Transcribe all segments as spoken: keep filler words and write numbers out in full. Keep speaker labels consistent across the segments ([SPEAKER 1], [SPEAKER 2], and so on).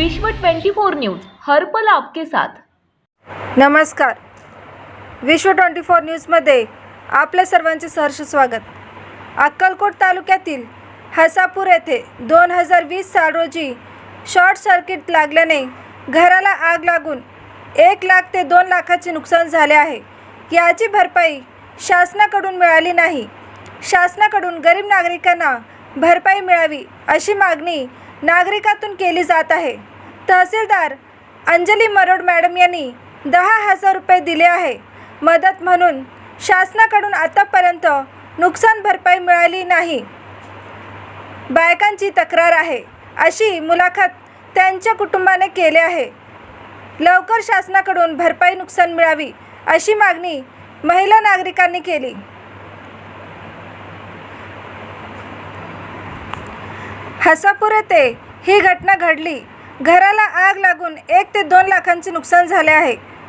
[SPEAKER 1] विश्व चोवीस न्यूज हर पल आपके साथ।
[SPEAKER 2] नमस्कार, विश्व चोवीस न्यूजमध्ये आपल्या सर्वांचे सहर्ष स्वागत। अक्कलकोट तालुक्यातील हसापूर येथे दोन हजार वीस साल रोजी शॉर्ट सर्किट लागल्याने घराला आग लागून एक लाख ते दोन लाखाचे नुकसान झाले आहे। याची भरपाई शासनाकडून मिळाली नाही। शासनाकडून गरीब नागरिकांना भरपाई मिळावी अशी मागणी नागरिकातून केली जात आहे। तहसीलदार अंजली मरोड मॅडम यांनी दहा हजार रुपये दिले आहे मदत म्हणून। शासनाकडून आतापर्यंत नुकसान भरपाई मिळाली नाही। बायकांची तक्रार आहे अशी मुलाखत त्यांच्या कुटुंबाने केली आहे। लवकर शासनाकडून भरपाई नुकसान मिळावी अशी मागणी महिला नागरिकांनी केली। हसापूर येथे ही घटना घडली। घराला आग लागून एक ते दोन लाखांचे नुकसान झाले आहे।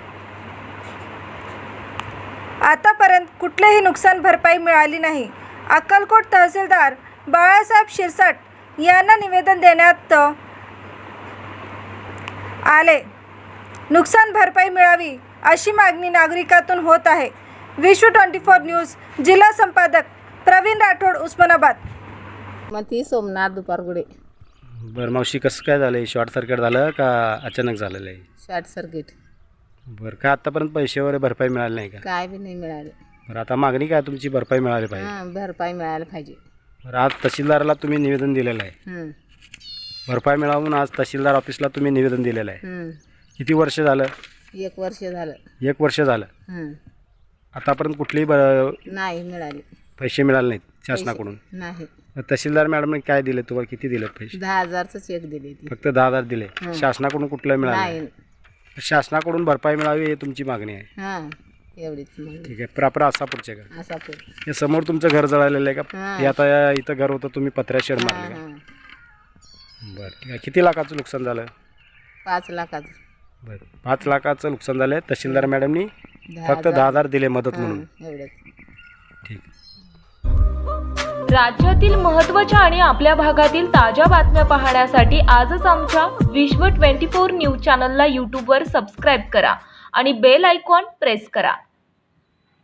[SPEAKER 2] आतापर्यंत कुठलेही नुकसान भरपाई मिळाली नाही। अक्कलकोट तहसीलदार बाळासाहेब शिरसाट यांना निवेदन देण्यात आले। नुकसान भरपाई मिळावी अशी मागणी नागरिकातून होत आहे। विश्व चोवीस न्यूज जिल्हा संपादक प्रवीण राठोड, उस्मानाबाद।
[SPEAKER 3] मती सोमनाथ दुपारगुडे।
[SPEAKER 4] बरं मावशी, कसं काय झालं? शॉर्ट सर्किट झालं का अचानक झालेलं आहे?
[SPEAKER 3] Short circuit.
[SPEAKER 4] बरं, का आतापर्यंत पैसे वगैरे भरपाई मिळाली नाही का?
[SPEAKER 3] काय बी नाही मिळाले।
[SPEAKER 4] बरं, आता मागणी काय तुमची? भरपाई मिळाली पाहिजे।
[SPEAKER 3] हां, भरपाई मिळायला पाहिजे।
[SPEAKER 4] बरं, आज तहसीलदाराला तुम्ही निवेदन दिलेलं आहे।
[SPEAKER 3] हं
[SPEAKER 4] भरपाई मिळावून आज तहसीलदार ऑफिसला तुम्ही निवेदन दिलेलं आहे।
[SPEAKER 3] हं
[SPEAKER 4] किती वर्ष झालं?
[SPEAKER 3] एक वर्ष झालं।
[SPEAKER 4] एक वर्ष झालं।
[SPEAKER 3] हं
[SPEAKER 4] आतापर्यंत कुठलेही ब
[SPEAKER 3] नाही मिळाले
[SPEAKER 4] पैसे मिळाले नाहीत शासनाकडून?
[SPEAKER 3] नाही।
[SPEAKER 4] तहसीलदार मॅडमने काय दिले तुम्हाला? किती दिले पैसे?
[SPEAKER 3] दहा हजारचं चेक दिले ती।
[SPEAKER 4] फक्त दहा हजार दिले। शासनाकडून कुठलं मिळालं
[SPEAKER 3] नाही।
[SPEAKER 4] शासनाकडून भरपाई मिळावी ही तुमची मागणी आहे।
[SPEAKER 3] हां, एवढीच मग।
[SPEAKER 4] ठीक आहे। प्रॉपर आसापूरचे का?
[SPEAKER 3] असापूर।
[SPEAKER 4] हे समोर तुमचं घर जळालेलं आहे का?
[SPEAKER 3] हां।
[SPEAKER 4] हे आता या- इथं घर होतं, तुम्ही पत्र्या शेड
[SPEAKER 3] हां
[SPEAKER 4] मारले का?
[SPEAKER 3] हां,
[SPEAKER 4] बरं, ठीक आहे। किती लाखाचं नुकसान झालं?
[SPEAKER 3] पाच लाखाचं।
[SPEAKER 4] बरं, पाच लाखाचं नुकसान झालं। तहसीलदार मॅडमनी
[SPEAKER 3] दहा
[SPEAKER 4] फक्त दहा हजार दिले मदत म्हणून।
[SPEAKER 3] हां, एवढंच।
[SPEAKER 4] ठीक।
[SPEAKER 1] राज्यातील महत्त्वाच्या आणि आपल्या भागातील ताज्या बातम्या पाहण्यासाठी आजच आमच्या विश्व चोवीस न्यूज चॅनलला यूट्यूबवर सबस्क्राईब करा आणि बेल आयकॉन प्रेस करा।